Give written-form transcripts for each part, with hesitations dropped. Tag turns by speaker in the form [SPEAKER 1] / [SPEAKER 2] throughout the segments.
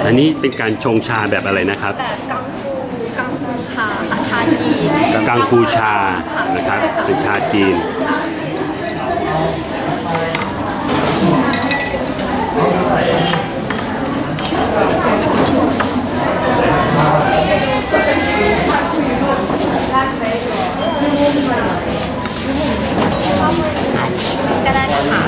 [SPEAKER 1] อันนี้เป็นการชงชาแบบอะไรนะครับ
[SPEAKER 2] แบบกังฟูชาค่ะชาจีน
[SPEAKER 1] กังฟูชานะครับเป็นชาจีน
[SPEAKER 2] ก็ได้ค่ะ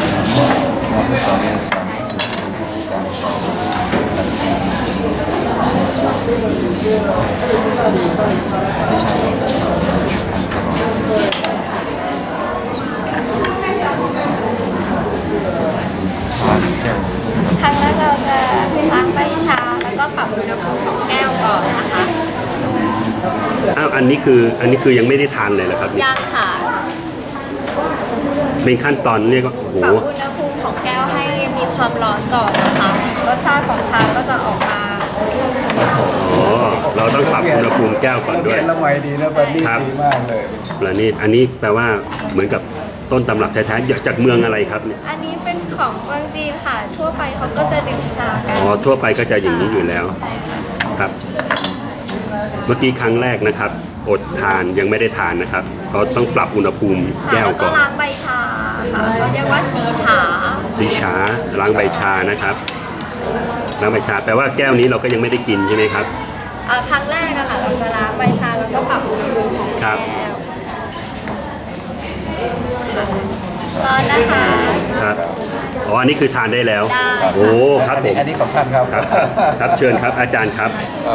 [SPEAKER 2] ครั้งแรกเราจะล้างใบชาแล้วก็ปรับอุณหภูมิของแก้วก่อนนะคะ
[SPEAKER 1] อ้าวอันนี้คือยังไม่ได้ทานเลยเหรอครับ
[SPEAKER 2] ยังค่ะ
[SPEAKER 1] เป็นขั้นตอนเรียกว่าโอ้โห
[SPEAKER 2] ปรับอุณหภูมิของแก้วให้มีความร้อนก่อนนะคะรสชาติของชาก็จะออกมา
[SPEAKER 1] อ๋อเราต้องปรับอุณหภูมิแก้วก่อนด้วย
[SPEAKER 3] ละไมดีนะบันนี่ดีมากเลย
[SPEAKER 1] ประณีตอันนี้แปลว่าเหมือนกับต้นตำรับแท้ๆจากเมืองอะไรครับเนี่ย
[SPEAKER 2] อันนี้เป็นของเมืองจีนค่ะทั่วไปเขาก็จะดื่มชากัน
[SPEAKER 1] อ๋อทั่วไปก็จะอย่างนี้อยู่แล้วครับเมื่อกี้ครั้งแรกนะครับอดทานยังไม่ได้ทานนะครับเขาต้องปรับอุณหภูมิแก้วก่อน
[SPEAKER 2] แล้วก็ล้างใบชาค่ะเขาเรียกว่าสีฉา
[SPEAKER 1] ล้างใบชานะครับล้างใบชาแปลว่าแก้วนี้เราก็ยังไม่ได้กินใช่ไหมครับ
[SPEAKER 2] ครั้งแรกอะค่ะเราจะล้างใบชาแล้วก็ปรับอุณหภูมิของแก้วร้อนนะคะ
[SPEAKER 1] ครับอ๋ออันนี้คือทานได้แล้วโอ้ครับผม
[SPEAKER 3] อันนี้ของท่านครับ
[SPEAKER 1] ครับเชิญครับอาจารย์ครับ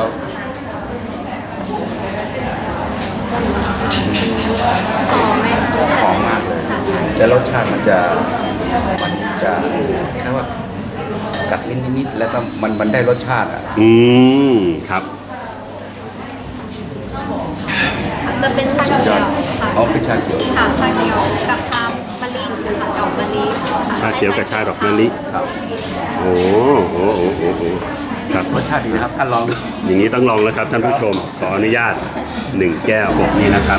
[SPEAKER 3] หอมมากเลยแต่รสชาติมันจะแค่ว่ากัดลิ้นนิดๆแล้วก็มันได้รสชาติอ่ะ
[SPEAKER 1] ครับ
[SPEAKER 2] จะเป็นชาเขียวค่ะ
[SPEAKER 3] อ๋อเป็นชาเขียว
[SPEAKER 2] ค่ะชาเขียวกับชามะลินะคะดอกมะลิ
[SPEAKER 1] ชาเขียวกับชาดอกมะลิ
[SPEAKER 3] ครับ
[SPEAKER 1] โอ้โห
[SPEAKER 3] ครับรสชาติดีนะครับท่านลอง
[SPEAKER 1] อย่างนี้ต้องลองแล้วครับท่านผู้ชมขออนุญาต1แก้วกบนี้นะครับ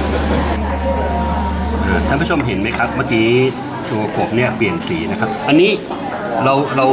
[SPEAKER 1] ท่านผู้ชมเห็นไหมครับเมื่อกี้ตัวกบเนี่ยเปลี่ยนสีนะครับอันนี้เรา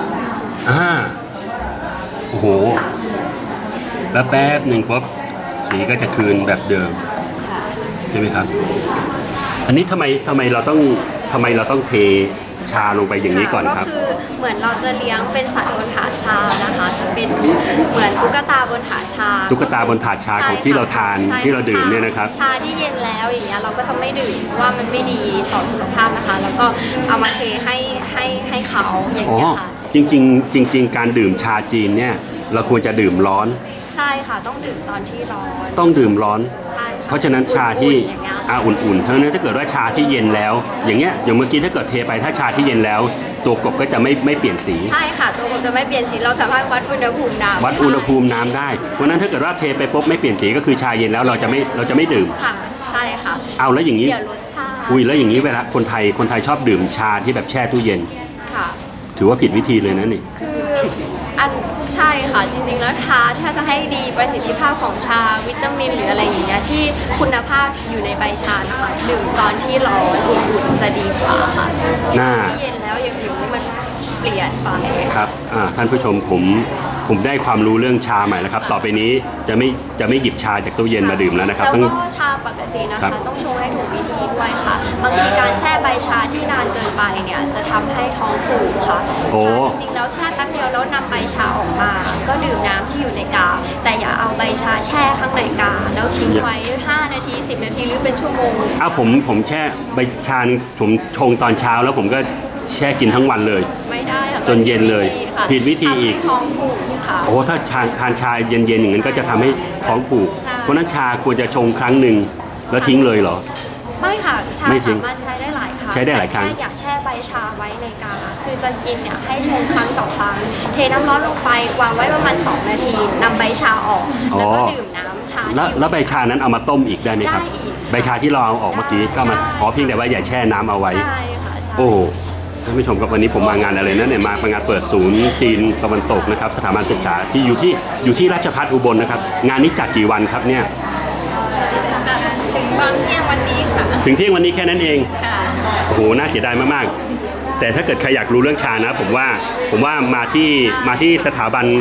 [SPEAKER 1] โอ้โหแล้วแป๊บหนึ่งปุ๊บสีก็จะคืนแบบเดิมใช่ไหมครับอันนี้ทำไมเราต้องเทชาลงไปอย่างนี้ก่อนครับ
[SPEAKER 2] ก็คือเหมือนเราจะเลี้ยงเป็นสัตว์บนถาดชานะคะจะเป็นเหมือนตุ๊กตาบนถาดชา
[SPEAKER 1] ของที่เราทานที่เราดื่มเนี่ยนะครับ
[SPEAKER 2] ชาที่เย็นแล้วอย่างเงี้ยเราก็จะไม่ดื่มว่ามันไม่ดีต่อสุขภาพนะคะแล้วก็เอามาเทให้เขาอย่างเงี้ยค่ะ
[SPEAKER 1] จริงการดื่มชาจีนเนี่ยเราควรจะดื่มร้อน
[SPEAKER 2] ใช่ค่ะต้องดื่มตอนที่ร้อน
[SPEAKER 1] ต้องดื่มร้อน
[SPEAKER 2] ใช่
[SPEAKER 1] เพราะฉะนั้นชาที่อุ่นๆเท่านั้นถ้าเกิดว่าชาที่เย็นแล้วอย่างเงี้ยอย่างเมื่อกี้ถ้าเกิดเทไปถ้าชาที่เย็นแล้วตัวกบก็จะไม่เปลี่ยนสี
[SPEAKER 2] ใช่ค่ะตัวกบจะไม่เปลี่ยนสีเราสามารถวัดอุณหภูมิ
[SPEAKER 1] น้ำได้เพราะนั้นถ้าเกิดว่าเทไปปุ๊บไม่เปลี่ยนสีก็คือชาเย็นแล้วเราจะไม่ดื่ม
[SPEAKER 2] ค่ะใช่ค่ะ
[SPEAKER 1] เอาแล้วอย่างนี้
[SPEAKER 2] เสียรสชาติ
[SPEAKER 1] แล้วอย่างนี้เวลาคนไทยชอบดื่มชาที่แบบแช่ตู้เย็น
[SPEAKER 2] ค่ะ
[SPEAKER 1] ถือว่าผิดวิธีเลยนะนี่
[SPEAKER 2] คือใช่ค่ะจริงๆแล้วถ้าจะให้ดีประสิทธิภาพของชาวิตามินหรืออะไรอย่างเงี้ยที่คุณภาพอยู่ในใบชานะคะดื่มตอนที่ร้อนอุ่นๆจะดีกว่าค่ะที่เย็นแล้วอย่างอื่นมันเปลี่ยนไป
[SPEAKER 1] ครับท่านผู้ชมผมได้ความรู้เรื่องชาใหม่แล้วครับต่อไปนี้จะไม่หยิบชาจากตู้เย็นมาดื่มแล้วนะครับ
[SPEAKER 2] แล้วก็ชาปกตินะคะต้องชงให้ถูกวิธีด้วยค่ะบางทีการแช่ใบชาที่นานเกินไปเนี่ยจะทำให้ท้องผูกค่ะจริงๆแล้วแช่แป๊บเดียวแล้วนำใบชาออกมาก็ดื่มน้ำที่อยู่ในกาแต่อย่าเอาใบชาแช่ข้างในกาแล้วทิ้งไว้5 นาที10 นาทีหรือเป็นชั่วโมง
[SPEAKER 1] ผมแช่ใบชาผมชงตอนเช้าแล้วผมก็แช่กินทั้งวันเลย
[SPEAKER 2] ไม่ได้
[SPEAKER 1] จนเย็นเลยผิดวิธีอีก
[SPEAKER 2] ท้องผูกค่ะ
[SPEAKER 1] โอ้ถ้าทานชาเย็นๆอย่างนั้นก็จะทำให้ท้องผูกเพราะนั้นชาควรจะชงครั้งหนึ่งแล้วทิ้งเลยเหรอ
[SPEAKER 2] ไม่ค่ะชาสามารถใช้ได้หลายครั้งอยากแช่ใบชาไว้ในกาคือจะกินเนี่ยให้ชงครั้งต่อครั้งเทน้ำร้อนลงไปวางไว้ประมาณ2 นาทีนำใบชาออกแล้วก็ดื่มน้ำชา
[SPEAKER 1] แล้วใบชานั้นเอามาต้มอีกได้ไหมครับใบชาที่เราเอาออกเมื่อกี้ก็มาเพียงแต่ว่าอย่าแช่น้ำเอาไว้
[SPEAKER 2] ใช่ค่ะ
[SPEAKER 1] โอ้ท่านผู้ชมครับวันนี้ผมมางานอะไรนะเนี่ยมางานเปิดศูนย์จีนตะวันตกนะครับสถาบันศึกษาที่อยู่ที่ราชภัฏอุบลนะครับงานนี้จัดกี่วันครับเนี่ย
[SPEAKER 2] ถึงตอนเที่ยงวันนี้ค่ะ
[SPEAKER 1] ถึงเที่ยงวันนี้แค่นั้นเอง
[SPEAKER 2] ค่ะ
[SPEAKER 1] โอ้โหน่าเสียดายมากๆแต่ถ้าเกิดใครอยากรู้เรื่องชานะผมว่ามาที่สถาบัน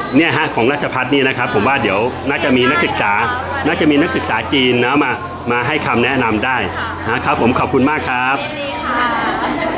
[SPEAKER 1] เนี่ยฮะของราชภัฏนี่นะครับผมว่าเดี๋ยวน่าจะมีนักศึกษาจีนนะมาให้คำแนะนำได้นะครับผมขอบคุณมากครับ
[SPEAKER 2] ยินดีค่ะ